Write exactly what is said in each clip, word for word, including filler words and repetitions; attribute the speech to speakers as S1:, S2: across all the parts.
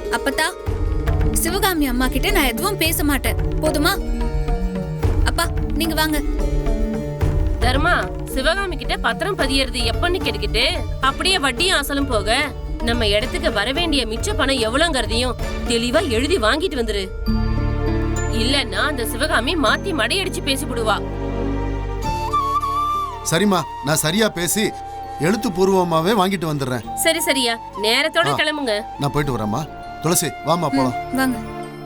S1: அப்பத்தா, சிவகாமி அம்மா கிட்ட நான் எதுவும் பேச மாட்டேன், போதுமா? அப்பா நீங்க வாங்க.
S2: தர்மா, சிவகாமி கிட்ட பத்திரம் பதியறது எப்பன்னு கேட்டுக்கிட்டு அப்படியே வட்டியும் அசலும் போக நம்ம இடத்துக்கு வர வேண்டிய மிச்ச பணம் எவ்வளவுங்கிறதையும் தெளிவா எழுதி வாங்கிட்டு வந்துரு. இல்லன்னா அந்த சிவகாமி மாத்தி மடையடிச்சு பேசிவிடுவா.
S3: சரிம்மா, நான் சரியா பேசி எழுத்து பூர்வமாவே வாங்கிட்டு வந்துடுறேன்.
S2: சரி சரியா, நேரத்தோட கிளம்புங்க.
S3: நான் போயிட்டு வரேம்மா. துளசி வாமா போலாம்.
S1: வாங்க.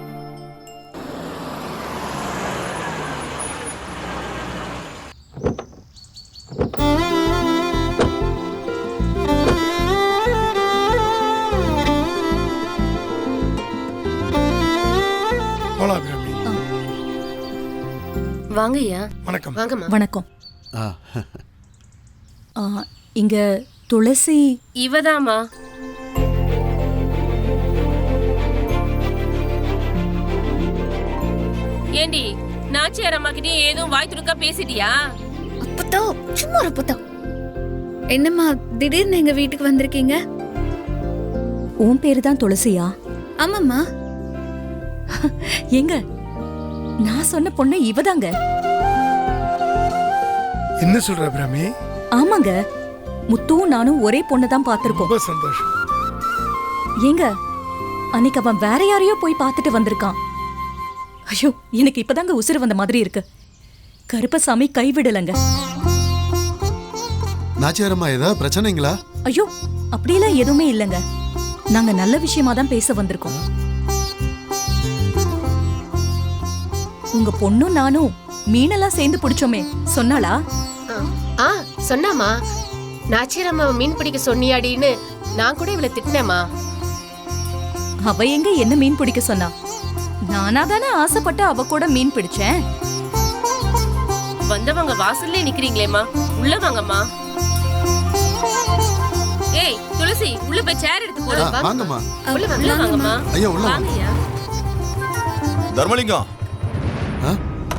S2: வாங்கய்யா.
S4: வணக்கம்.
S2: வாங்கம்மா.
S5: வணக்கம்.
S3: ஆ.
S5: ஆ, இங்க துளசி
S2: இவதாமா. ஏண்டி, நாச்சியார் அம்மா கிட்டயும் ஏதும் வாய் துடுக்கா பேசிட்டியா?
S1: அப்பத்தா சும்மா அப்பத்தா. என்னம்மா திடீர்னு எங்க வீட்டுக்கு வந்திருக்கீங்க?
S5: உன் பேரு தான் துளசியா?
S1: ஆமாம்மா.
S5: எங்க நான் சொன்ன பொண்ணு இவதாங்க.
S4: என்ன சொல்ற அபிராமி?
S5: ஆமாங்க, முத்துவும் நானும் ஒரே பொண்ணு தான் பாத்திருக்கோம்.
S4: ரொம்ப சந்தோஷம்.
S5: ஏங்க, அன்னைக்கு அவன் வேற யாரையோ போய் பார்த்துட்டு வந்திருக்கான். ஐயோ, எனக்கு இப்பதாங்க உசுறு வந்த மாதிரி இருக்கு. கருப்பசாமி கைவிடலங்க.
S3: நாச்சியாரம்மா ஏதாவது பிரச்சனைங்களா?
S5: ஐயோ, அப்படியெல்லாம் எதுவுமே இல்லைங்க. நாங்க நல்ல விஷயமா தான் பேச வந்திருக்கோம். உங்க பொண்ணும் நானும் மீனெல்லாம் சேர்ந்து பிடிச்சோமே, சொன்னாளா?
S6: ஆ சொன்னாமா. நாச்சியரம்மா மீன் பிடிக்க சொன்னியாடின்னு நான் கூட இவளை திட்டினேமா.
S5: அவ எங்க என்ன மீன் பிடிக்க சொன்னா? நானா தானே ஆசைப்பட்டு அவ கூட மீன் பிடிச்சேன்.
S2: வந்தவங்க வாசல்ல நிக்கிறீங்களேம்மா, உள்ள வாங்கம்மா. ஏய் துளசி, உள்ள போய் சேர் எடுத்து போடு.
S3: ஆ, வாங்கம்மா.
S2: உள்ள உள்ள வாங்கம்மா.
S3: ஐயா உள்ள வாங்க.
S2: வாங்கய்யா.
S7: தர்மலிங்கம்,
S3: ஆ?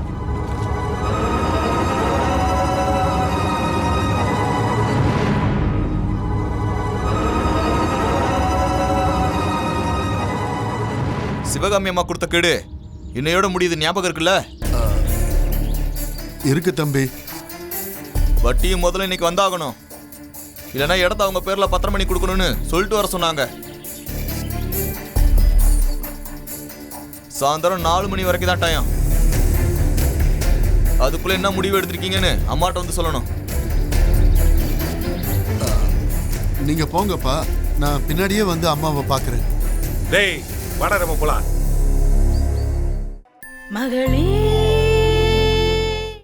S7: சிவகாமி அம்மா கொடுத்த கேடு இன்னையோட முடியுது, ஞாபகம் இருக்குல்ல?
S3: இருக்கு தம்பி.
S7: வட்டியும் முதல்ல இன்னைக்கு வந்தாகணும், இல்லைன்னா இடத்த அவங்க பேர்ல பத்திரம் பண்ணி கொடுக்கணும்னு சொல்லிட்டு வர சொன்னாங்க. சாயந்தரம் நாலு மணி வரைக்கும் தான் டைம். அதுக்குள்ள என்ன முடிவு எடுத்திருக்கீங்கன்னு அம்மாட்ட வந்து சொல்லணும்.
S3: நீங்க போங்கப்பா, நான் பின்னாடியே வந்து அம்மாவை பாக்குறேன்.
S4: டேய் வாடா, நம்ம போலாம்.
S8: மகளே